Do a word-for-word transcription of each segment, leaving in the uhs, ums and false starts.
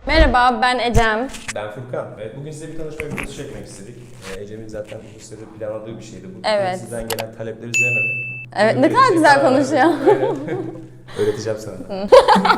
Merhaba, ben Ecem. Ben Furkan. Evet, bugün size bir tanışma videosu çekmek istedik. Ee, Ecem'in zaten bu sürede planladığı bir şeydi. Bu Evet. sizden gelen talepler üzerine de. Evet, ne kadar güzel konuşuyor. Öğreteceğim sana.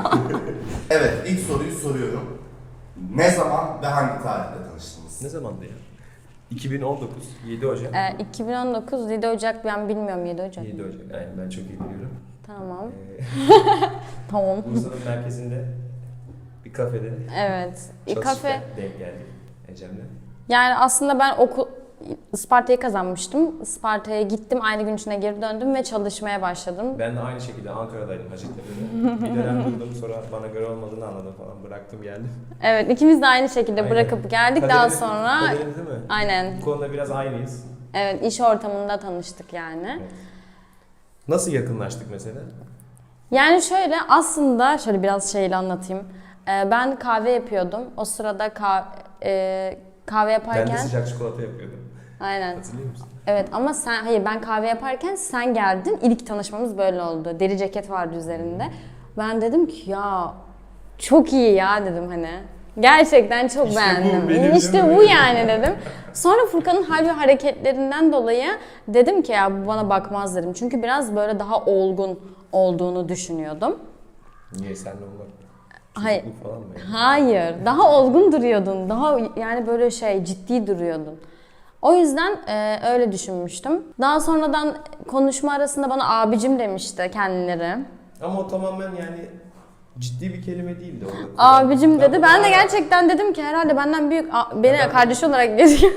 Evet, ilk soruyu soruyorum. Ne zaman ve hangi tarihte tanıştınız? Ne zamandı ya? iki bin on dokuz, yedi Ocak. Ee, iki bin on dokuz, yedi Ocak, ben bilmiyorum yedi Ocak. yedi Ocak, aynen ben çok iyi biliyorum. Tamam. Ee, Tamam. Bursa'nın merkezinde bir kafede Evet. Bir çalışırken kafe. denk geldik Ecem'le. Yani aslında ben okul Isparta'yı kazanmıştım. Isparta'ya gittim, aynı gün içine geri döndüm ve çalışmaya başladım. Ben de aynı şekilde Ankara'daydım Hacettepe'de. Bir dönem durdum, sonra bana göre olmadığını anladım falan, bıraktım geldim. Evet, ikimiz de aynı şekilde Aynen. bırakıp geldik. Daha Kaderimiz- sonra kaderimiz değil mi? aynen. Bu konuda biraz aynıyız. Evet, iş ortamında tanıştık yani. Evet. Nasıl yakınlaştık mesela? Yani şöyle, aslında şöyle biraz şeyle anlatayım. Ee, ben kahve yapıyordum. O sırada kah- e, kahve yaparken... Ben de sıcak çikolata yapıyordum. Aynen. Hatırlıyor musun? Evet ama sen, hayır ben kahve yaparken sen geldin. İlk tanışmamız böyle oldu. Deri ceket vardı üzerinde. Ben dedim ki ya çok iyi ya dedim hani. Gerçekten çok İşte bu beğendim. benim, işte değil mi? bu yani dedim. Sonra Furkan'ın hal ve hareketlerinden dolayı dedim ki ya bu bana bakmaz dedim. Çünkü biraz böyle daha olgun olduğunu düşünüyordum. Niye senle olmak? Hayır. Çocukluk falan mı yani? Hayır. Daha olgun duruyordun. Daha yani böyle şey ciddi duruyordun. O yüzden e, öyle düşünmüştüm. Daha sonradan konuşma arasında bana abicim demişti kendileri. Ama o tamamen yani ciddi bir kelime değildi orada. Abicim dedi. bunu Ben de bazen- gerçekten dedim ki herhalde benden büyük, a- beni Ben- kardeş olarak görüyor.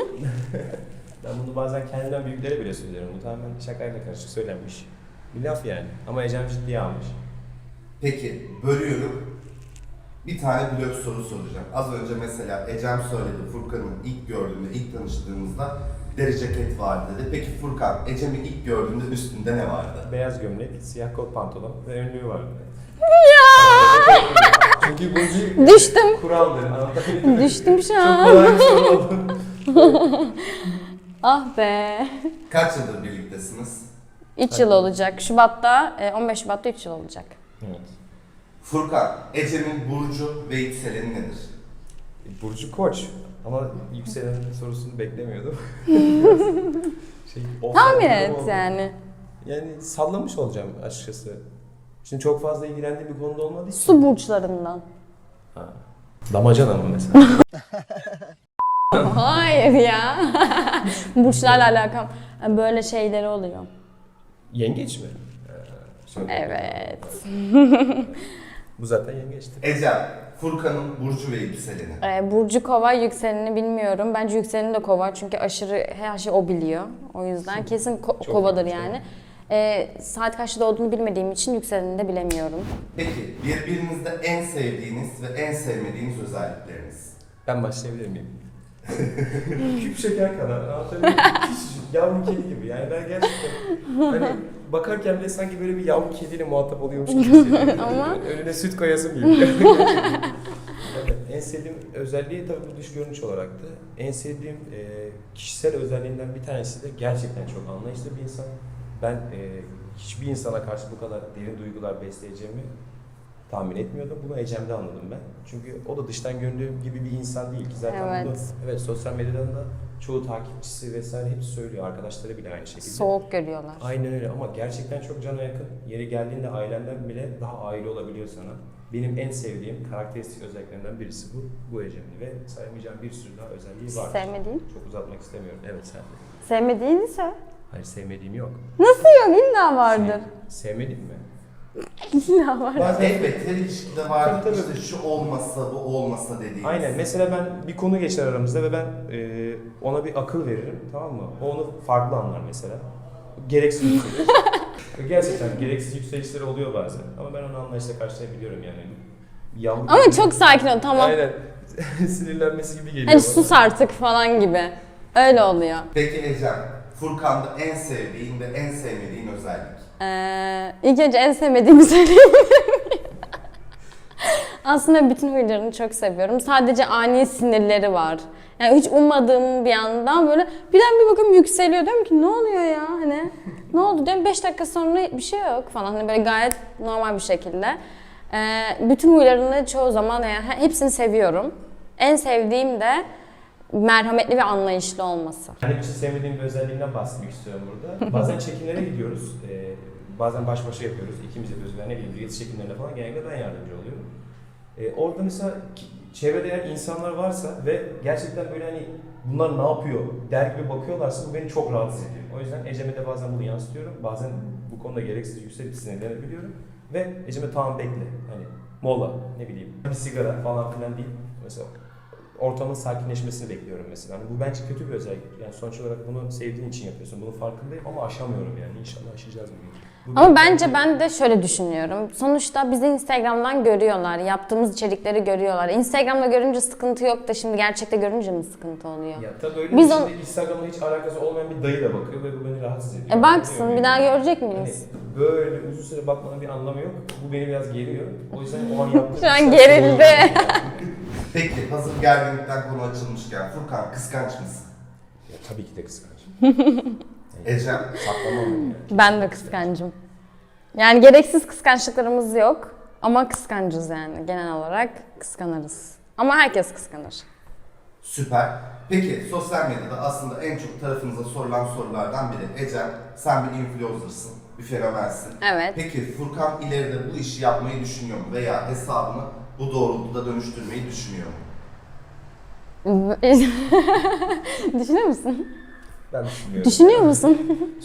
Ben bunu bazen kendimden büyüklere bile söylüyorum. Bu tamamen şakayla karışık söylenmiş bir laf yani. Ama Ecem ciddiye almış. Peki, bölüyorum. Bir tane blok soru soracağım. Az önce mesela Ecem söyledi, Furkan'ın ilk gördüğünde, ilk tanıştığımızda deri ceket vardı dedi. Peki Furkan, Ecem'i ilk gördüğünde üstünde ne vardı? Beyaz gömlek, siyah kot pantolon ve önlüğü vardı. Ya! Çünkü bu bir Düştüm. kuraldır. Anlatabildim mi? Düştüm şu Çok an. kolay bir soru oldu. Ah be. Kaç yıldır birliktesiniz? üç yıl olacak. Şubat'ta, e, on beş Şubat'ta üç yıl olacak. Evet. Furkan, Ecem'in burcu ve yükseleni nedir? Burcu Koç. Ama yükselen sorusunu beklemiyordum. şey, Tahmin offside et oldu. yani. Yani sallamış olacağım açıkçası. Şimdi çok fazla ilgilendiğim bir konuda olmadığı için. Su burçlarından. Ha. Damacana mı mesela? Hayır ya. Burçlarla alakam. Böyle şeyleri oluyor. Yengeç mi? Ee, şöyle. Evet. Bu zaten yengeçti. Ecem, Furkan'ın burcu ve yükseleni. Ee, Burcu Kova, yükselenini bilmiyorum. Bence yükseleni de Kova çünkü aşırı her şeyi o biliyor. O yüzden kesin ko- Çok Kova'dır iyi, yani. Ee, saat kaçta doğduğunu bilmediğim için yükselenini de bilemiyorum. Peki, birbirinizde en sevdiğiniz ve en sevmediğiniz özellikleriniz? Ben başlayabilir miyim? Küp şeker kadar. Anlatabiliyor muyum? Küçücük, yavru kedi gibi. Yani ben gerçekten hani bakarken bile sanki böyle bir yavru kediyle muhatap oluyormuş gibi hissediyorum. Ama- Önüne süt koyasım geliyor. Evet, en sevdiğim özelliği tabii bu dış görünüş olaraktı. En sevdiğim e, kişisel özelliğinden bir tanesi de gerçekten çok anlayışlı bir insan. Ben e, hiçbir insana karşı bu kadar derin duygular besleyeceğimi tahmin etmiyordum. Bunu Ecem'de anladım ben. Çünkü o da dıştan göründüğüm gibi bir insan değil ki. Zaten Evet. bunu evet, sosyal medyadan da çoğu takipçisi vesaire hepsi söylüyor. Arkadaşları bile aynı şekilde. Soğuk görüyorlar. Aynen öyle ama gerçekten çok cana yakın. Yeri geldiğinde ailenden bile daha aile olabiliyor sana. Benim en sevdiğim karakteristik özelliklerinden birisi bu. Bu Ecem'in ve sayamayacağım bir sürü daha özelliği var. Sevmediğin? Çok uzatmak istemiyorum. Evet sen de. Sevmediğini söyle. Hayır sevmediğim yok. Nasıl yok? İlla vardır. Sev- sevmediğim mi? İlla var. Bazen elbette her ilişkide vardır. Tabii, tabii. İşte şu olmasa, bu olmasa dediğiniz. Aynen. Mesela ben bir konu geçer aramızda ve ben e, ona bir akıl veririm, tamam mı? O onu farklı anlar mesela. Gereksiz yükselir. Ve gerçekten gereksiz yükselişleri oluyor bazen. Ama ben onu anlayışla karşılayabiliyorum yani. Bir yavru Ama gibi- çok sakin ol, tamam. Aynen. Sinirlenmesi gibi geliyor Hani bana. sus artık falan gibi. Öyle oluyor. Peki Ecem, Furkan'da en sevdiğin ve en sevmediğin özellik? Ee, ilk önce en sevmediğimi söyleyeyim. Aslında bütün huylarını çok seviyorum. Sadece ani sinirleri var. Yani hiç ummadığım bir anda böyle birden bir bakıyorum yükseliyor. Diyorum ki ne oluyor ya hani ne oldu diyorum beş dakika sonra bir şey yok falan. Hani böyle gayet normal bir şekilde. Ee, bütün huylarını çoğu zaman yani hepsini seviyorum. En sevdiğim de merhametli ve anlayışlı olması. Benim için sevmediğim bir özelliğinden bahsetmek istiyorum burada. Bazen çekimlere gidiyoruz. Ee, bazen baş başa yapıyoruz. İkimiz yapıyoruz. Ben ne bileyim üyeti çekimlerine falan genellikle ben yardımcı oluyorum. Ee, orada mesela çevrede eğer insanlar varsa ve gerçekten böyle hani bunlar ne yapıyor der gibi bakıyorlarsa bu beni çok rahatsız ediyor. O yüzden Ecem'e de bazen bunu yansıtıyorum. Bazen bu konuda gereksiz yükselip sinirlenebiliyorum. Ve Ecem'e tamam bekle. Hani mola ne bileyim bir sigara falan filan değil. Mesela ortamın sakinleşmesini bekliyorum mesela. Yani bu bence kötü bir özellik. Yani sonuç olarak bunu sevdiğin için yapıyorsun. Bunun farkındayım ama aşamıyorum yani. İnşallah aşacağız bir gün. Bu Ama benim- bence ben de şöyle düşünüyorum. Sonuçta bizi Instagram'dan görüyorlar. Yaptığımız içerikleri görüyorlar. Instagram'da görünce sıkıntı yok da şimdi gerçekte görünce mi sıkıntı oluyor? Ya tabii öyle Biz bir on- şimdi Instagram'la hiç alakası olmayan bir dayı da bakıyor ve bu beni rahatsız ediyor. E baksın Anlıyor bir daha muyum? görecek Hani miyiz? böyle uzun süre bakmanın bir anlamı yok. Bu beni biraz geriyor. O yüzden o an yaptığım Şu an işler gerildi. sorun. Peki hazır gerginlikten konu açılmışken Furkan kıskanç mısın? Ya, tabii ki de kıskanç. Ecem? Saklamam yani. Ben de kıskancım. Yani gereksiz kıskançlıklarımız yok. Ama kıskancız yani genel olarak kıskanırız. Ama herkes kıskanır. Süper. Peki sosyal medyada aslında en çok tarafınıza sorulan sorulardan biri. Ecem sen bir influencer'sın, bir fenomensin. Evet. Peki Furkan ileride bu işi yapmayı düşünüyor mu? Veya hesabını bu doğrultuda dönüştürmeyi düşünüyor mu? Düşünüyor musun? Ben düşünmüyorum. Düşünüyor musun?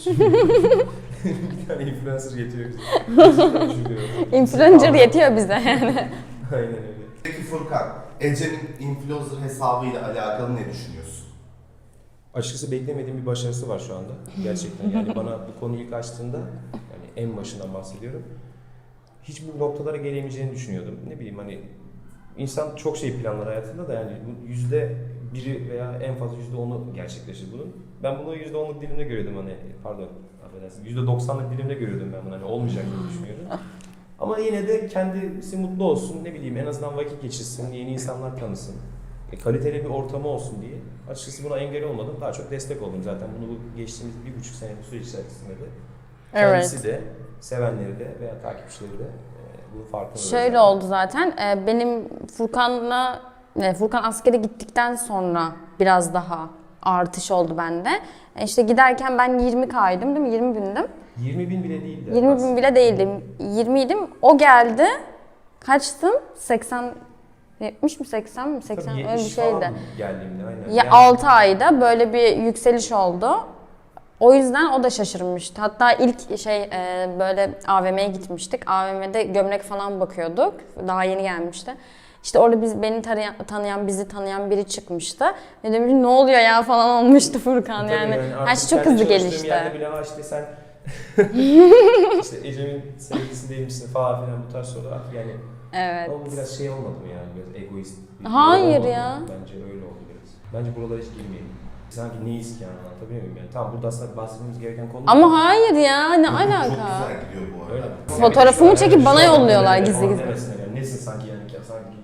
Bir tane influencer yetiyor bize. Gerçekten düşünüyorum. Influencer yetiyor bize yani. Aynen öyle. Peki Furkan, Ecem'in influencer hesabıyla alakalı ne düşünüyorsun? Açıkçası beklemediğim bir başarısı var şu anda. Gerçekten yani bana bu konuyu ilk açtığında yani en başından bahsediyorum. Hiç bu noktalara gelemeyeceğini düşünüyordum. Ne bileyim hani insan çok şey planlar hayatında da yani bu yüzde biri veya en fazla yüzde onu gerçekleşir bunun. Ben bunu yüzde onluk dilimde görüyordum hani pardon affedersin yüzde doksanlık dilimde görüyordum ben bunu hani olmayacak diye düşünüyordum. Ama yine de kendisi mutlu olsun ne bileyim en azından vakit geçirsin, yeni insanlar tanısın. E, kaliteli bir ortamı olsun diye. Açıkçası buna engel olmadım. Daha çok destek oldum zaten. Bunu bu geçtiğimiz bir buçuk senelik süreç içerisinde de. Kendisi Evet. de, sevenleri de veya takipçileri de e, bunun farkında. Şöyle oldu zaten. e, Benim Furkan'la e, Furkan askere gittikten sonra biraz daha artış oldu bende. E, İşte giderken ben yirmi kaydım değil mi? yirmi bindim. yirmi bin bile değildi. yirmi bin aslında. bile değildim. yirmi idim. O geldi. Kaçtım? seksen yetmiş mi seksen mi? seksen Tabii öyle bir yetmiş falan şeydi. geldiğimde aynen. Ya Yani altı ayda böyle bir yükseliş oldu. O yüzden o da şaşırmıştı. Hatta ilk şey e, böyle A V M'ye gitmiştik. A V M'de gömlek falan bakıyorduk. Daha yeni gelmişti. İşte orada biz beni tanıyan, tanıyan bizi tanıyan biri çıkmıştı. Ve demiş ne oluyor ya falan olmuştu Furkan tabii yani. artık Her şey çok kendi hızlı çalıştığım gelişti. yerde bile ha işte sen işte Ecem'in sevgilisi değil misin falan filan bu tarz sorular artık yani. Evet. Ama bu biraz şey olmadı mı yani biraz egoist bir Hayır durum olmadı ya. mı? Bence öyle oldu biraz. Bence buralara hiç girmeyelim. Sanki neyiz ki yani anlatabiliyor muyum yani? Tamam burada aslında bahsetmemiz gereken konu. Ama hayır ya ne Çok alaka? güzel gidiyor bu arada. Öyle mi? Fotoğrafımı Yani çekip şu bana an yolluyorlar böyle gizli falan gizli. demesinler yani. Nesin sanki yani ki sanki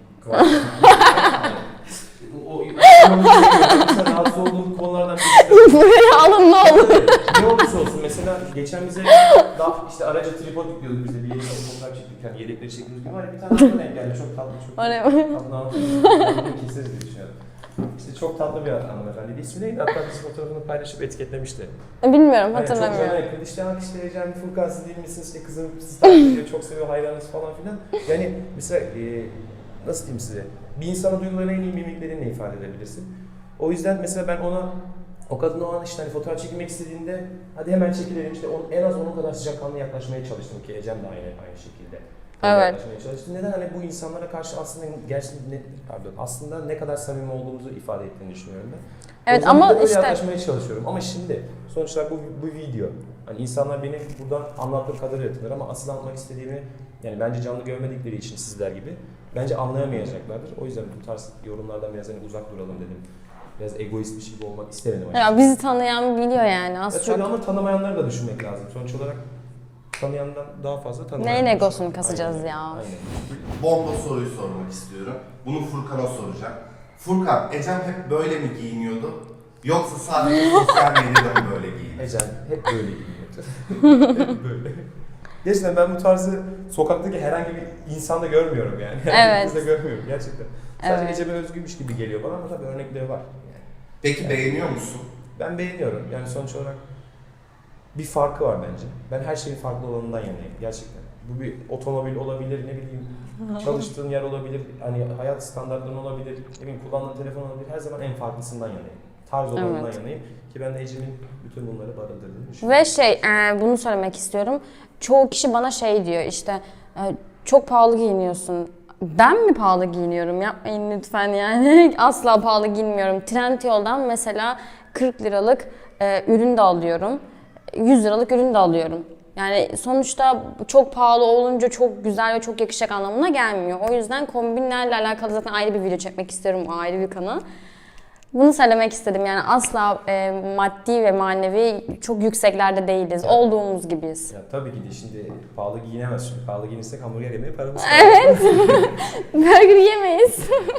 o o mesela rahatsız olduğum konulardan birisi de Buraya alın ne olur. ne olursa olsun mesela geçen bize daha işte araca tripod yüklüyorduk biz de bir yere fotoğraf çektik yani yedekleri çektiğimiz gibi var ya bir tane adam denk geldi çok tatlı çok O ne? tatlı anlatıyor. Keseriz diye düşünüyorum. İşte çok tatlı bir hanımefendi. İsmi neydi? Hatta biz fotoğrafını paylaşıp etiketlemişti. Bilmiyorum Hani çok hatırlamıyorum. merak ettim. İşte işte Ecem Furkan siz değil misiniz? İşte kızım sizi takip ediyor, çok seviyor, hayranınız falan filan. Yani mesela e, nasıl diyeyim size? Bir insana duygularını en iyi mimiklerinle ifade edebilirsin. O yüzden mesela ben ona o kadın o an işte hani fotoğraf çekilmek istediğinde hadi hemen çekilelim işte on, en az onun kadar sıcakkanlı yaklaşmaya çalıştım ki Ecem de aynı aynı şekilde. Evet. Yaklaşmaya çalıştım. Neden hani bu insanlara karşı aslında gerçekten ne, pardon aslında ne kadar samimi olduğumuzu ifade ettiğini düşünüyorum ben. Evet, O yüzden ama bir de böyle işte- yaklaşmaya çalışıyorum. Ama şimdi sonuç olarak bu, bu video. Hani insanlar beni buradan anlattığım kadarıyla tanır ama asıl anlatmak istediğimi yani bence canlı görmedikleri için sizler gibi bence anlayamayacaklardır. O yüzden bu tarz yorumlardan biraz hani uzak duralım dedim. Biraz egoist bir şey gibi olmak istemedim açıkçası. Ya bizi tanıyan biliyor yani Ya az tabii çok. ama tanımayanları da düşünmek lazım. Sonuç olarak tanıyandan daha fazla tanımayan. Neyin da egosunu düşünmek. kasacağız Aynen, ya? Aynen. Bomba soruyu sormak istiyorum. Bunu Furkan'a soracağım. Furkan, Ecem hep böyle mi giyiniyordu? Yoksa sadece sosyal medyada mı böyle giyiniyor? Ecem hep böyle giyiniyordu. Hep böyle. Gerçekten ben bu tarzı sokaktaki herhangi bir insanda görmüyorum yani. Evet. Herkeste görmüyorum gerçekten. Sadece Evet. Ecem'e özgüymüş gibi geliyor bana ama tabii örnekleri var. Yani Peki beğeniyor musun? ben beğeniyorum. Yani sonuç olarak bir farkı var bence. Ben her şeyin farklı olanından yanayım gerçekten. Bu bir otomobil olabilir, ne bileyim çalıştığın yer olabilir, hani hayat standartların olabilir, ne bileyim kullandığın telefon olabilir. Her zaman en farklısından yanayım. Tarz olanından Evet. yanayım ki ben de Ecem'in bütün bunları barındırdığını düşünüyorum. Ve şey, e, bunu söylemek istiyorum. Çoğu kişi bana şey diyor işte, e, çok pahalı giyiniyorsun. Ben mi pahalı giyiniyorum? Yapmayın lütfen yani. Asla pahalı giyinmiyorum. Trendyol'dan mesela kırk liralık e, ürün de alıyorum. yüz liralık ürün de alıyorum. Yani sonuçta çok pahalı olunca çok güzel ve çok yakışacak anlamına gelmiyor. O yüzden kombinlerle alakalı zaten ayrı bir video çekmek istiyorum, o ayrı bir kanal. Bunu söylemek istedim yani asla e, maddi ve manevi çok yükseklerde değiliz. Evet. Olduğumuz gibiyiz. Ya tabii ki de şimdi pahalı giyinemez şimdi. Pahalı giyinirsek hamburger yemeye paramız Evet. Burger yemeyiz.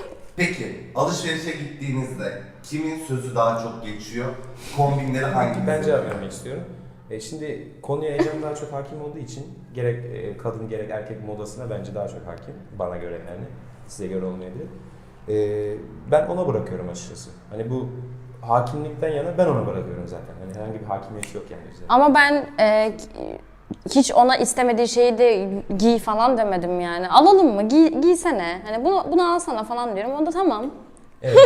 Peki alışverişe gittiğinizde kimin sözü daha çok geçiyor? Kombinleri hangi? Ben cevap vermek istiyorum. E şimdi konuya Ecem daha çok hakim olduğu için gerek e, kadın gerek erkek modasına bence daha çok hakim. Bana göre yani. Size göre olmayabilir. E, ben ona bırakıyorum açıkçası. Hani bu hakimlikten yana ben ona bırakıyorum zaten. Hani herhangi bir hakimiyet yok yani bizde. Ama ben e, hiç ona istemediği şeyi de giy falan demedim yani. Alalım mı? Giy, giysene. Hani bunu, bunu alsana falan diyorum. O da tamam. Evet.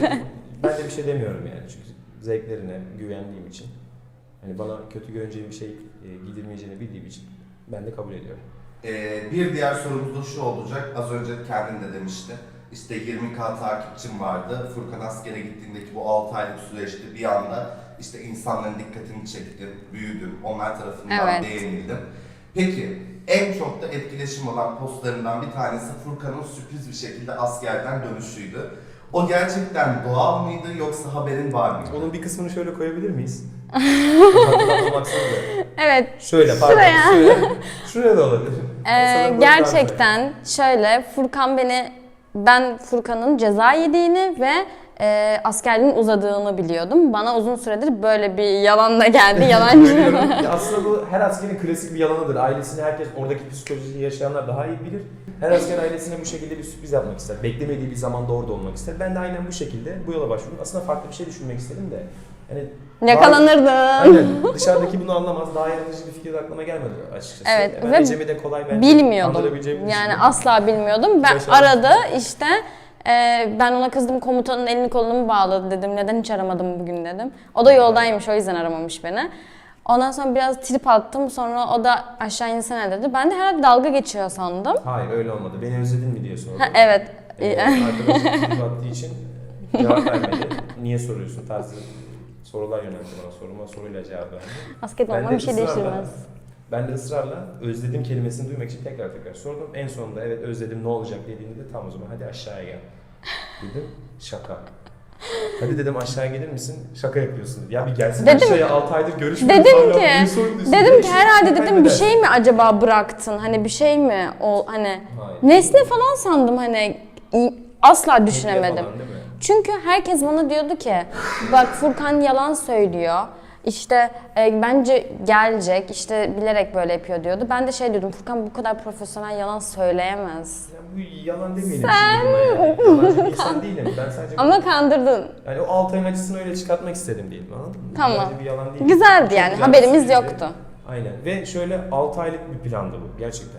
Ben de bir şey demiyorum yani. Çünkü zevklerine güvendiğim için. Hani bana kötü görüneceğim bir şey e, giydirmeyeceğini bildiğim için ben de kabul ediyorum. Ee, bir diğer sorumuz da şu olacak. Az önce kendin de demişti. İşte yirmi bin takipçim vardı. Furkan askere gittiğindeki bu altı aylık süreçte bir anda işte insanların dikkatini çektim, büyüdüm, onlar tarafından Evet. beğenildim. Peki en çok da etkileşim olan postlarından bir tanesi Furkan'ın sürpriz bir şekilde askerden dönüşüydü. O gerçekten doğal mıydı yoksa haberin var mıydı? Onun bir kısmını şöyle koyabilir miyiz? Hatırlatma maksatlı. Evet. Şöyle pardon. Şuraya. Şuraya, şuraya da olabilir. Ee, Sanırım gerçekten şöyle Furkan beni, ben Furkan'ın ceza yediğini ve e, askerliğin uzadığını biliyordum. Bana uzun süredir böyle bir yalanla geldi. Yalancı. Ya aslında bu her askerin klasik bir yalanıdır. Ailesini herkes, oradaki psikolojiyi yaşayanlar daha iyi bilir. Her asker ailesine bu şekilde bir sürpriz yapmak ister. Beklemediği bir zamanda orada olmak ister. Ben de aynen bu şekilde bu yola başvurdum. Aslında farklı bir şey düşünmek istedim de. Yani Yakalanırdın. aynen. Dışarıdaki bunu anlamaz. Daha yaratıcı bir fikir aklıma gelmedi açıkçası. Evet, Ben ve Ecem'i de kolay bence Bilmiyordum. kandırabileceğimi Yani düşündüm. asla bilmiyordum. Ben Başardım. aradı işte. e, ben ona kızdım, komutanın elini kolunu mu bağladı dedim. Neden hiç aramadım bugün dedim. O da yoldaymış, o yüzden aramamış beni. Ondan sonra biraz trip attım. Sonra o da aşağı insene dedi. Ben de herhalde dalga geçiyor sandım. Hayır öyle olmadı. Beni özledin mi diye sordum. Ha, evet. Ee, arkadaşım trip attığı için cevap vermedi. Niye soruyorsun tarzı sorular yöneltti bana. Soruma soruyla cevap verdi. Basket Ben olmam de bir şey ısrarla- değiştirmez. Ben de ısrarla özledim kelimesini duymak için tekrar tekrar sordum. En sonunda evet özledim ne olacak dediğinde de tam o zaman hadi aşağıya gel dedim. Şaka. Hadi dedim aşağıya gelir misin? Şaka yapıyorsun dedi. Ya bir gelsin Dedim- aşağıya altı aydır görüşmüyoruz. Dedim hala ki, bunu soruyorsun. dedim ki Beş herhalde dakika dedim bir kaybeder. şey mi acaba bıraktın? Hani bir şey mi o hani Hayır. nesne falan sandım hani i- asla Hediye düşünemedim. falan değil mi? Çünkü herkes bana diyordu ki bak Furkan yalan söylüyor. İşte e, bence gelecek, işte bilerek böyle yapıyor diyordu. Ben de şey diyordum, Furkan bu kadar profesyonel yalan söyleyemez. Ya bu yalan demeyelim şimdi buna yani. Yalancı bir insan değilim. Ben sadece Ama kandırdın. yani o altı ayın acısını öyle çıkartmak istedim diyelim anladın mı? Tamam. Bence bir yalan değil. Güzeldi Çok yani, güzel haberimiz bir süreci. yoktu. Aynen ve şöyle altı aylık bir plandı bu gerçekten.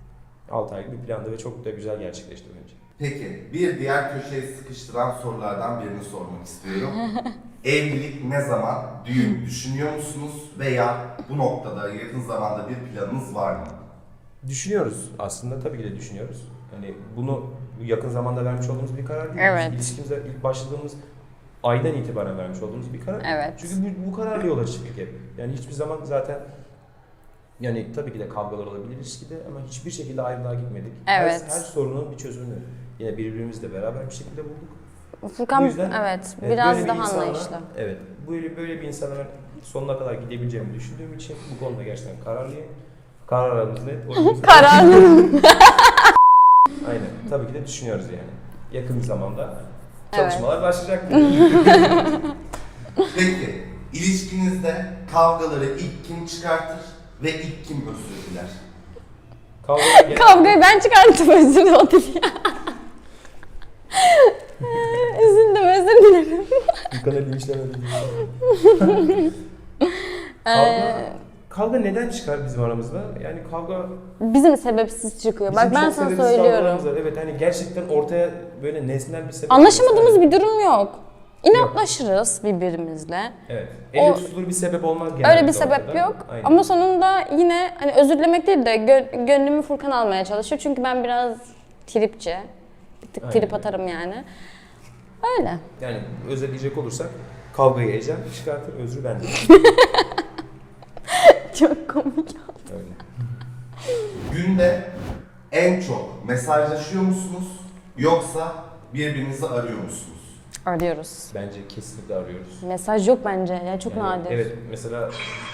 altı aylık bir plandı ve çok da güzel gerçekleşti bence. Peki bir diğer köşeye sıkıştıran sorulardan birini sormak istiyorum. Evlilik ne zaman? Düğün düşünüyor musunuz? Veya bu noktada yakın zamanda bir planınız var mı? Düşünüyoruz aslında tabii ki de düşünüyoruz. Hani bunu bu yakın zamanda vermiş olduğumuz bir karar değil. Evet. Biz ilişkimize ilk başladığımız aydan itibaren vermiş olduğumuz bir karar. Evet. Çünkü bu, bu kararla yola çıktık hep. Yani hiçbir zaman zaten yani tabii ki de kavgalar olabilir ilişkide ama hiçbir şekilde ayrılığa gitmedik. Evet. Her, her sorunun bir çözümünü yine birbirimizle beraber bir şekilde bulduk. Furkan Bu yüzden, evet, Evet, biraz böyle bir daha insanla- anlayışlı. Evet. Böyle böyle bir insana ben sonuna kadar gidebileceğimi düşündüğüm için bu konuda gerçekten kararlıyım. Kararımız net. O yüzden- Kararlı. Aynen. Tabii ki de düşünüyoruz yani. Yakın bir zamanda Evet. çalışmalar başlayacak. Peki ilişkinizde kavgaları ilk kim çıkartır ve ilk kim özür diler? Kavga genel- Kavgayı ben çıkarttım, özür dilerim. Üzüldüm, özür dilerim. Furkan'a linçlemedim. Ee, Kavga, kavga neden çıkar bizim aramızda? Yani kavga Bizim sebepsiz çıkıyor. Bak bizim ben çok sana sebepsiz söylüyorum. kavgalarımız var. Evet hani gerçekten ortaya böyle nesnel bir sebep. Anlaşamadığımız bir durum yok. İnatlaşırız birbirimizle. Evet. Elle O- tutulur bir sebep olmaz genelde. Öyle bir sebep ortada. yok. Aynen. Ama sonunda yine hani özür dilemek değil de gö- gönlümü Furkan almaya çalışıyor. Çünkü ben biraz tripçi. Bir tık Aynen. trip atarım yani. Öyle. Yani özetleyecek olursak kavgayı Ecem çıkartır, özrü bende. Çok komik. Öyle. Günde en çok mesajlaşıyor musunuz yoksa birbirinizi arıyor musunuz? Arıyoruz. Bence kesinlikle arıyoruz. Mesaj yok bence. Ya çok Yani nadir. Evet mesela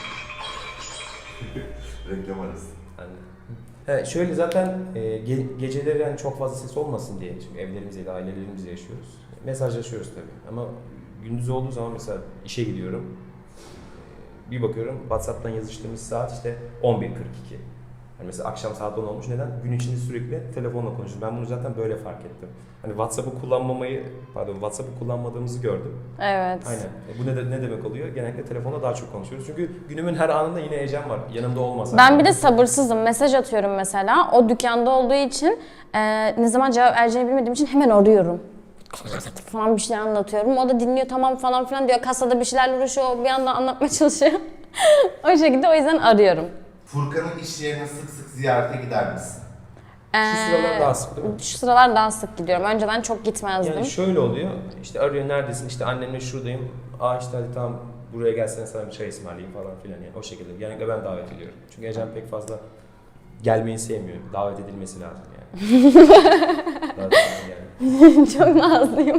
Reklam arası. hani, he, şöyle zaten e, ge- geceleri yani çok fazla ses olmasın diye çünkü evlerimizde, ailelerimizle yaşıyoruz. Mesajlaşıyoruz tabii ama gündüz olduğu zaman mesela işe gidiyorum. E, Bir bakıyorum WhatsApp'tan yazıştığımız saat işte on bir kırk iki. Yani mesela akşam saat on olmuş. Neden? Gün içinde sürekli telefonla konuşuyoruz. Ben bunu zaten böyle fark ettim. Hani WhatsApp'ı kullanmamayı, pardon WhatsApp'ı kullanmadığımızı gördüm. Evet. Aynen. E bu ne, de- ne demek oluyor? Genellikle telefonda daha çok konuşuyoruz. Çünkü günümün her anında yine Ecem var. Yanımda olmasa. Ben bir de sabırsızım. Mesaj atıyorum mesela. O dükkanda olduğu için e, ne zaman cevap vereceğini bilmediğim için hemen arıyorum. Falan bir şeyler anlatıyorum. O da dinliyor tamam falan filan diyor. Kasada bir şeylerle uğraşıyor. O bir yandan anlatmaya çalışıyor. O şekilde o yüzden arıyorum. Furkan'ın iş yerine sık sık ziyarete gider misin? Şu sıralar daha sık değil mi? Şu sıralar daha sık gidiyorum. Önceden çok gitmezdim. Yani şöyle oluyor. İşte arıyor neredesin? İşte annemle şuradayım. Aa işte hadi tamam buraya gelsene sana bir çay ısmarlayayım falan filan yani o şekilde. Genellikle ben davet ediyorum. Çünkü Ecem pek fazla gelmeyi sevmiyor. Davet edilmesi lazım yani. Zaten yani. Çok nazlıyım.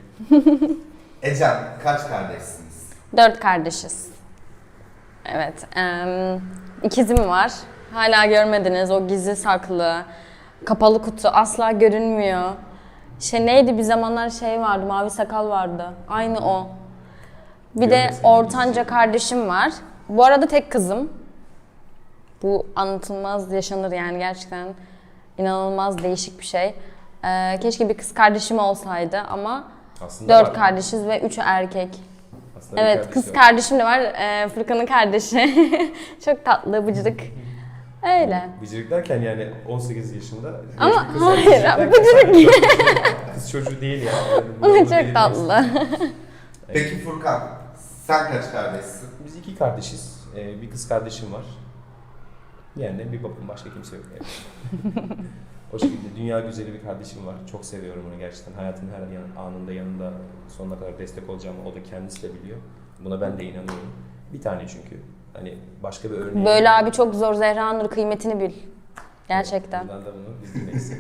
Ecem, kaç kardeşsiniz? Dört kardeşiz. Evet. em, ikizim var. Hala görmediniz. O gizli saklı. Kapalı kutu. Asla görünmüyor. Şey neydi bir zamanlar şey vardı. Mavi sakal vardı. Aynı o. Bir de Görmesin, ortanca gizli. kardeşim var. Bu arada tek kızım. Bu anlatılmaz yaşanır yani gerçekten. İnanılmaz değişik bir şey. Ee, keşke bir kız kardeşim olsaydı ama Aslında dört var. kardeşiz ve üçü erkek. Aslında bir Evet, kardeşi kız var. kardeşim de var. Ee, Furkan'ın kardeşi. Çok tatlı, bıcırık. Öyle. Bıcırık derken yani on sekiz yaşında. Ama genç bir kız hayır, bıcırık derken bıcırık. sadece Kız çocuğu değil yani. Yani bunu- Ama bunu çok belirtmek tatlı. Peki Furkan, sen kaç kardeşsin? Biz iki kardeşiz. Ee, bir kız kardeşim var. Yani bir babam başka kimse yok. Yani. O şekilde dünya güzeli bir kardeşim var. Çok seviyorum onu gerçekten. Hayatımın her yan- anında yanında sonuna kadar destek olacağımı o da kendisi de biliyor. Buna ben de inanıyorum. Bir tane çünkü. Hani başka bir örneği. Böyle abi çok zor. Zehra Nur kıymetini bil. Gerçekten. Buradan da bunu biz dinleriz.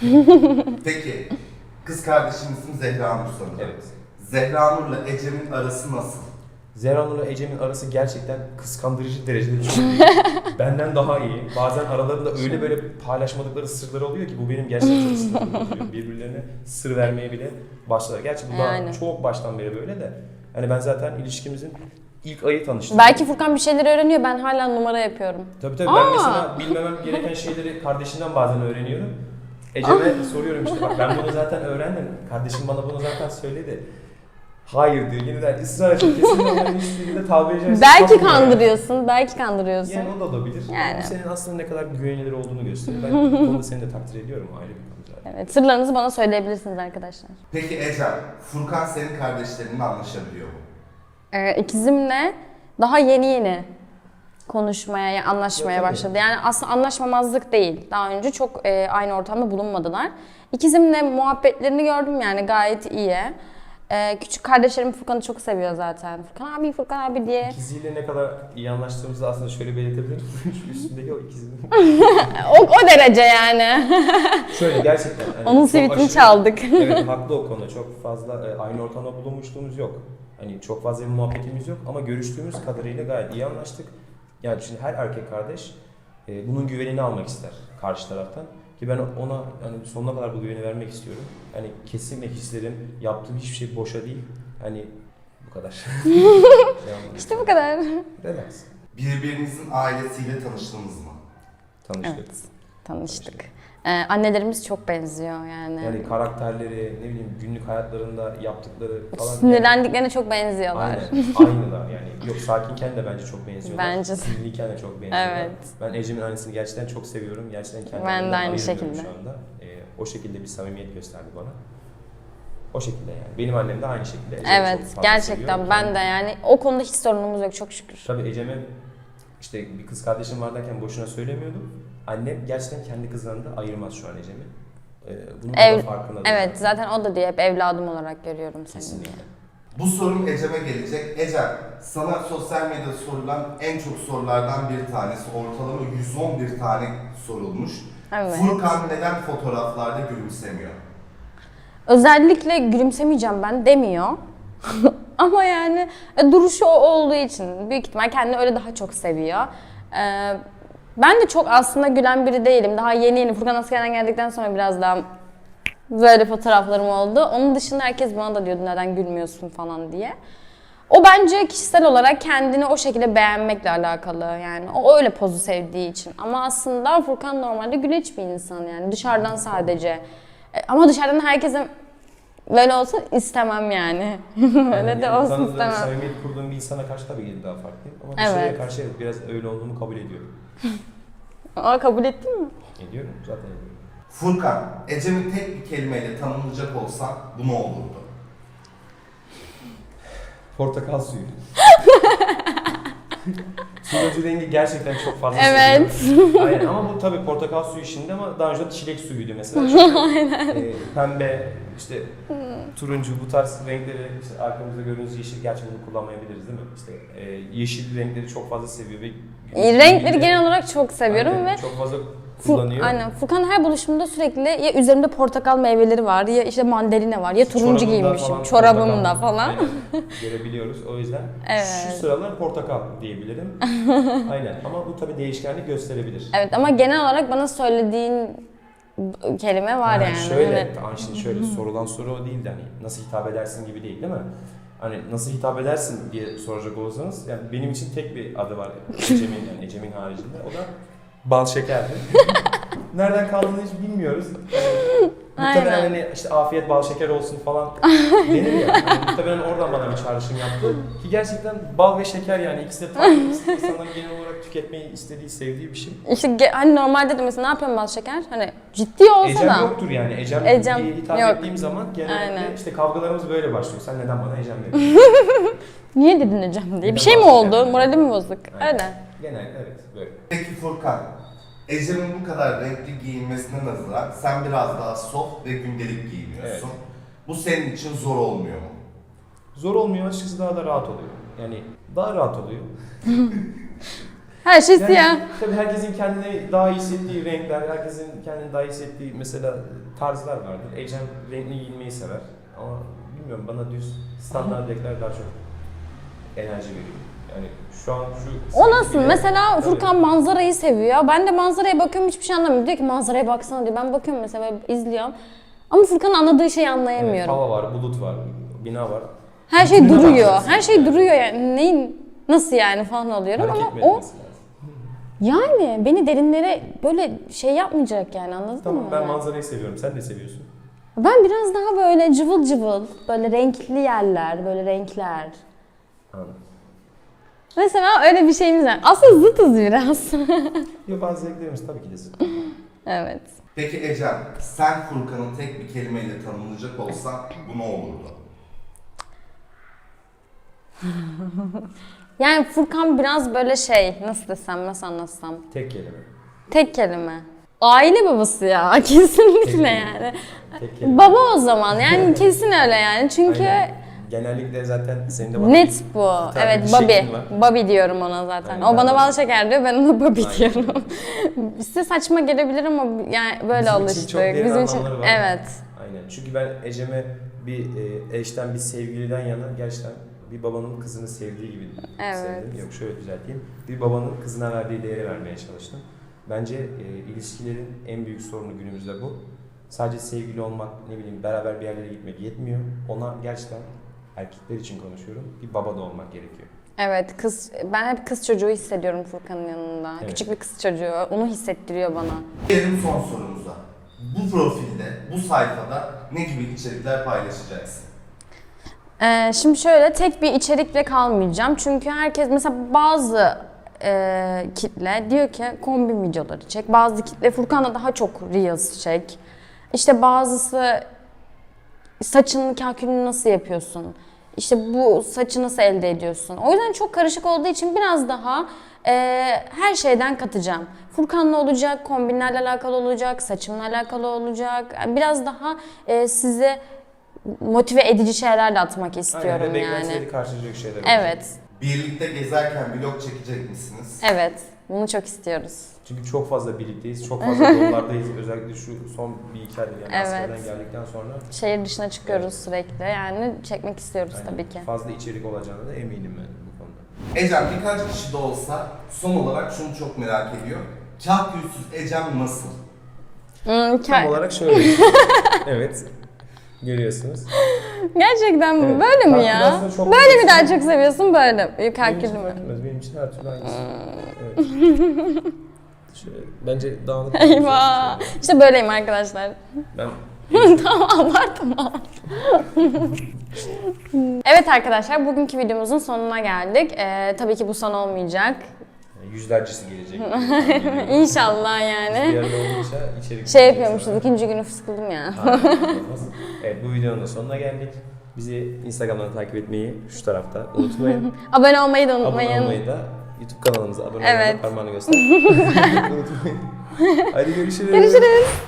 Peki, kız kardeşimizin Zehra Nur sanırım. Evet. Zehra Nur'la Ecem'in arası nasıl? Zehra Nur'la Ecem'in arası gerçekten kıskandırıcı derecede çok iyi. Benden daha iyi. Bazen aralarında öyle böyle paylaşmadıkları sırları oluyor ki bu benim gerçekten çok sinirimi bozuyor. Birbirlerine sır vermeye bile başlar. Gerçi bu daha Yani. çok baştan beri böyle de. Hani ben zaten ilişkimizin ilk ayı tanıştım. Belki Furkan bir şeyler öğreniyor. Ben hala numara yapıyorum. Tabii tabii Aa! ben mesela bilmemem gereken şeyleri kardeşimden bazen öğreniyorum. Ecem'e soruyorum işte bak ben bunu zaten öğrendim. Kardeşim bana bunu zaten söyledi. Hayır diyor yeniden ısrar ediyor. Kesin onların hiçbirinde tabi edeceğiz. Belki kandırıyorsun. Belki kandırıyorsun. Yani o da olabilir. Yani. Bu senin aslında ne kadar güvenilir olduğunu gösteriyor. Ben bu konuda seni de takdir ediyorum ayrı bir konu zaten. Evet, sırlarınızı bana söyleyebilirsiniz arkadaşlar. Peki Ecem, Furkan senin kardeşlerinle anlaşabiliyor mu? Ee, ikizimle daha yeni yeni konuşmaya, yani anlaşmaya Ya tabii. başladı. Yani aslında anlaşmamazlık değil. Daha önce çok e, aynı ortamda bulunmadılar. İkizimle muhabbetlerini gördüm yani gayet iyi. Ee, küçük kardeşlerim Furkan'ı çok seviyor zaten. Furkan abi, Furkan abi diye. İkiziyle ne kadar iyi anlaştığımızı aslında şöyle belirtebilirim. Şu üstündeki o ikizinin. O, o derece yani. Şöyle gerçekten. hani Onun çok sivitini aşırı- çaldık. Evet haklı o konuda. Çok fazla e, aynı ortamda bulunmuşluğumuz yok. Hani çok fazla bir muhabbetimiz yok ama görüştüğümüz kadarıyla gayet iyi anlaştık. Yani şimdi her erkek kardeş e, bunun güvenini almak ister karşı taraftan. Ki ben ona yani sonuna kadar bu güveni vermek istiyorum. Yani kesinlikle hislerim, yaptığım hiçbir şey boşa değil. Hani bu kadar. İşte bu kadar. Relax. Birbirinizin ailesiyle tanıştınız mı? Tanıştık. Evet. tanıştık. Ee, annelerimiz çok benziyor yani. Yani karakterleri, ne bileyim günlük hayatlarında yaptıkları falan. Sinirlendiklerine çok benziyorlar. Aynen, aynılar yani. Yok sakinken de bence çok benziyorlar. Bence de. Sinirliyken de çok benziyorlar. Evet. Ben Ecem'in annesini gerçekten çok seviyorum. Gerçekten Ben kendimden de aynı ayırmıyorum şekilde. şu anda. Ee, o şekilde bir samimiyet gösterdi bana. O şekilde yani. Benim annem de aynı şekilde. Ecem'i Evet, çok fazla gerçekten seviyor. ben de yani o konuda hiç sorunumuz yok çok şükür. Tabii Ecem'e işte bir kız kardeşim var derken boşuna söylemiyordum. Annem gerçekten kendi kızlarını da ayırmaz şu an Ecem'i. Ee, bunun Ev- da farkında. Evet, zaten o da diyor hep evladım olarak görüyorum seni. Kesinlikle. Bu sorum Ecem'e gelecek. Ecem, sana sosyal medyada sorulan en çok sorulardan bir tanesi, ortalama yüz on bir tane sorulmuş. Evet. Furkan neden fotoğraflarda gülümsemiyor? Özellikle gülümsemeyeceğim ben demiyor. Ama yani e, duruşu o olduğu için büyük ihtimal kendini öyle daha çok seviyor. Ee, ben de çok aslında gülen biri değilim. Daha yeni yeni Furkan askerden geldikten sonra biraz daha böyle fotoğraflarım oldu. Onun dışında herkes bana da diyordu neden gülmüyorsun falan diye. O bence kişisel olarak kendini o şekilde beğenmekle alakalı yani. O öyle pozu sevdiği için. Ama aslında Furkan normalde güleç bir insan yani dışarıdan sadece. E, Ama dışarıdan herkesin böyle olsa istemem yani. Öyle de olsun tanıdığım, istemem. samimiyet kurduğum bir insana karşı tabii ki daha farklıyım. Ama Evet. dışarıya karşı evet, biraz öyle olduğumu kabul ediyorum. Aa, kabul ettin mi? Ediyorum, zaten ediyorum. Furkan, Ecem'i tek bir kelimeyle tanımlayacak olsan bu ne olurdu? Portakal suyu. Turuncu rengi gerçekten çok fazla Evet. seviyorum. Aynen ama bu tabii portakal suyu işinde ama daha önce çilek suyuydu mesela. Çünkü, e, pembe, işte turuncu bu tarz renkleri işte arkamızda gördüğünüz yeşil gerçi bunu kullanmayabiliriz değil mi? İşte e, yeşil renkleri çok fazla seviyor ve Renkleri genel olarak çok seviyorum aynen, ve çok fazla Fu- kullanıyor. Aynen. Furkan her buluşumda sürekli ya üzerimde portakal meyveleri var ya işte mandalina var ya turuncu Çorabımda giymişim falan çorabımda portakal, falan. aynen, görebiliyoruz. O yüzden Evet. şu sıralar portakal diyebilirim. Aynen ama bu tabii değişkenlik gösterebilir. Evet ama genel olarak bana söylediğin kelime var Ha, yani. Şöyle, Evet. hani şimdi şöyle sorulan soru o değil de hani nasıl hitap edersin gibi değil değil mi? Hani nasıl hitap edersin diye soracak olursanız yani benim için tek bir adı var Ecem'in yani Ecem'in haricinde o da bal şekerdi. Nereden kaldığını hiç bilmiyoruz. Yani, muhtemelen Aynen. hani işte afiyet bal şeker olsun falan denir ya. Yani muhtemelen oradan bana bir çağrışım yaptı. Ki gerçekten bal ve şeker yani ikisi de tatlı. İnsanların genel olarak tüketmeyi istediği, sevdiği bir şey. İşte ge- hani normalde de mesela ne yapıyorum bal şeker? Hani ciddi olsa Ecem da. yoktur yani. Ecem, Ecem diye hitap yok. ettiğim zaman genellikle Aynen. işte kavgalarımız böyle başlıyor. Sen neden bana Ecem dedin? Niye dedin hocam diye. Neden Bir şey mi bahsediyorum oldu? yani? Moralim mi bozuk? Aynen. Öyle. Genel evet böyle. Peki Furkan, Ecem'in bu kadar renkli giyinmesine nazaran sen biraz daha soft ve gündelik giyiniyorsun. Evet. Bu senin için zor olmuyor mu? Zor olmuyor açıkçası daha da rahat oluyor. Yani daha rahat oluyor. Her şey Yani, siyah. tabii herkesin kendine daha iyi hissettiği renkler, herkesin kendine daha iyi hissettiği mesela tarzlar vardır. Ecem renkli giyinmeyi sever ama bilmiyorum bana düz standart renkler daha çok enerji veriyor. Yani şu an şu... O nasıl? bile- Mesela Tabii. Furkan manzarayı seviyor. Ben de manzaraya bakıyorum hiçbir şey anlamıyorum. Diyor ki manzaraya baksana diyor. Ben bakıyorum mesela böyle izliyorum. Ama Furkan'ın anladığı şeyi Evet, anlayamıyorum. hava var, bulut var, bina var. Her şey Bütününe duruyor. bakacaksın. Her şey duruyor yani. Neyin nasıl yani falan oluyorum Hareket ama mi o etmesi lazım? yani beni derinlere böyle şey yapmayacak yani anladın Tamam mı? ben Yani? manzarayı seviyorum, sen de seviyorsun. Ben biraz daha böyle cıvıl cıvıl, böyle renkli yerler, böyle renkler. Anladım. Mesela öyle bir şeyimiz var. Aslında zıtız biraz. Yok bazı zevklerimiz tabii ki de zıt. Evet. Peki Ecem, sen Furkan'ı tek bir kelimeyle tanımlayacak olsan bu ne olurdu? Yani Furkan biraz böyle şey, nasıl desem, nasıl anlatsam. Tek kelime. Tek kelime. Aile babası ya, kesinlikle kelime. yani. Tek kelime. Baba o zaman, yani kesin öyle yani. Çünkü Aynen. Genellikle zaten senin de bana net bu. tane Evet, bir Bobby. şeklin var. Bobby diyorum ona zaten. Aynen, O ben bana de. bal şeker diyor, ben ona Bobby Aynen. diyorum. Size saçma gelebilir ama yani böyle Bizim alıştık. için çok derin Bizim için anlamları var. evet. Aynen. Çünkü ben Ecem'e bir e, eşten, bir sevgiliden yana gerçekten bir babanın kızını sevdiği gibi Evet. sevdim. Yok şöyle düzelteyim. Bir babanın kızına verdiği değeri vermeye çalıştım. Bence e, ilişkilerin en büyük sorunu günümüzde bu. Sadece sevgili olmak, ne bileyim beraber bir yerlere gitmek yetmiyor. Ona gerçekten erkekler için konuşuyorum. Bir baba da olmak gerekiyor. Evet, kız ben hep kız çocuğu hissediyorum Furkan'ın yanında. Evet. Küçük bir kız çocuğu. Onu hissettiriyor bana. Gelelim son sorumuza. Bu profilde, bu sayfada ne gibi içerikler paylaşacaksın? Ee, şimdi şöyle tek bir içerikle kalmayacağım. Çünkü herkes mesela bazı e, kitle diyor ki kombin videoları çek. Bazı kitle Furkan'la daha çok Reels çek. İşte bazısı saçının kahkülünü nasıl yapıyorsun? İşte bu saçı nasıl elde ediyorsun? O yüzden çok karışık olduğu için biraz daha e, her şeyden katacağım. Furkan'la olacak, kombinlerle alakalı olacak, saçımla alakalı olacak. Yani biraz daha e, size motive edici şeylerle atmak istiyorum Aynen, ve yani. beklentileri karşılayacak şeyler olacak. Evet, Birlikte gezerken vlog çekecek misiniz? evet. Bunu çok istiyoruz. Çünkü çok fazla birlikteyiz, çok fazla yollardayız. Özellikle şu son bir iki aydır yani Evet. askerden geldikten sonra Şehir dışına çıkıyoruz sürekli. Yani çekmek istiyoruz yani tabii ki. fazla içerik olacağına da eminim ben bu konuda. Ecem birkaç kişi de olsa son olarak şunu çok merak ediyor. Kahkülsüz Ecem nasıl? Hmm, Tam ke- olarak şöyle. Evet. Görüyorsunuz. Gerçekten mi? Evet. Böyle mi ya? Kalkülasyonu çok Böyle mi basit. daha çok seviyorsun böyle? Benim Kalkülü için mü? fark etmez. Benim için her türlü aynısı. Hmm. Evet. Şöyle, bence dağınık. Eyvah. İşte böyleyim arkadaşlar. Ben Tamam abartma. Evet arkadaşlar bugünkü videomuzun sonuna geldik. Ee, tabii ki bu son olmayacak. yüzlercesi gelecek. İnşallah Bir yani. yerde olunca içerik. Şey yapıyormuşuz ikinci günü fıskıldım ya. Evet, bu videonun da sonuna geldik. Bizi Instagram'dan takip etmeyi şu tarafta unutmayın. Abone olmayı da Abone unutmayın. olmayı da YouTube kanalımıza abone Evet. olmayı da parmağını göster. Unutmayın. Hadi görüşürüz. Görüşürüz.